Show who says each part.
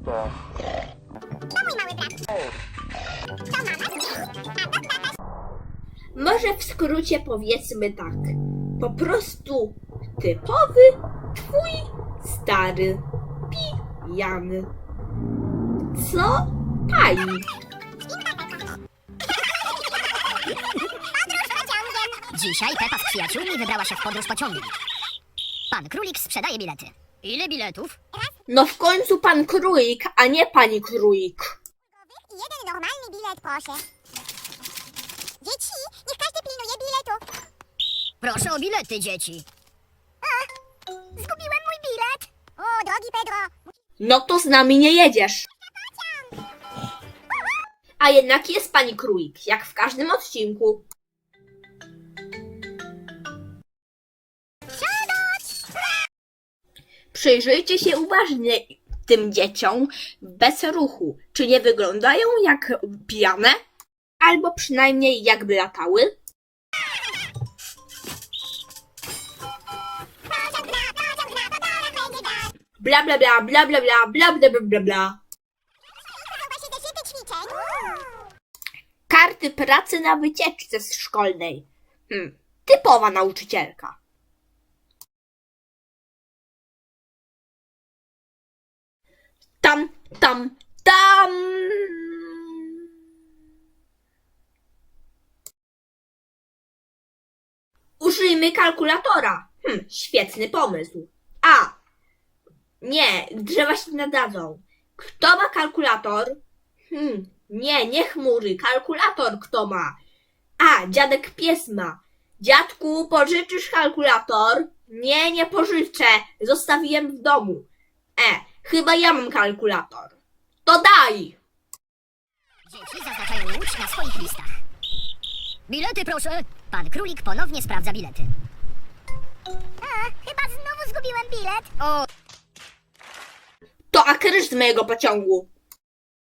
Speaker 1: Może w skrócie powiedzmy tak. Po prostu typowy twój stary pijany. Co pani?
Speaker 2: Dzisiaj Pepa z przyjaciółmi wybrała się w podróż pociągiem. Pan Królik sprzedaje bilety. Ile biletów?
Speaker 1: No w końcu pan Królik, a nie pani Królik.
Speaker 3: I jeden normalny bilet, proszę. Dzieci, niech każdy pilnuje biletu.
Speaker 2: Proszę o bilety, dzieci.
Speaker 3: Zgubiłem mój bilet. O, drogi Pedro.
Speaker 1: No to z nami nie jedziesz. A jednak jest pani Królik, jak w każdym odcinku. Przyjrzyjcie się uważnie tym dzieciom bez ruchu. Czy nie wyglądają jak pijane? Albo przynajmniej jakby latały? Bla bla bla bla bla bla bla bla bla bla bla.
Speaker 3: Właśnie zeszyty ćwiczeń.
Speaker 1: Karty pracy na wycieczce szkolnej. Typowa nauczycielka. Tam, tam, tam. Użyjmy kalkulatora. Świetny pomysł. Nie, drzewa się nadadzą. Kto ma kalkulator? Nie chmury. Kalkulator kto ma? Dziadek pies ma. Dziadku, pożyczysz kalkulator? Nie pożyczę. Zostawiłem w domu. Chyba ja mam kalkulator. To daj!
Speaker 2: Dzieci zaznaczają łódź na swoich listach. Bilety, proszę. Pan Królik ponownie sprawdza bilety.
Speaker 3: Chyba znowu zgubiłem bilet.
Speaker 2: O,
Speaker 1: To akryż z mojego pociągu.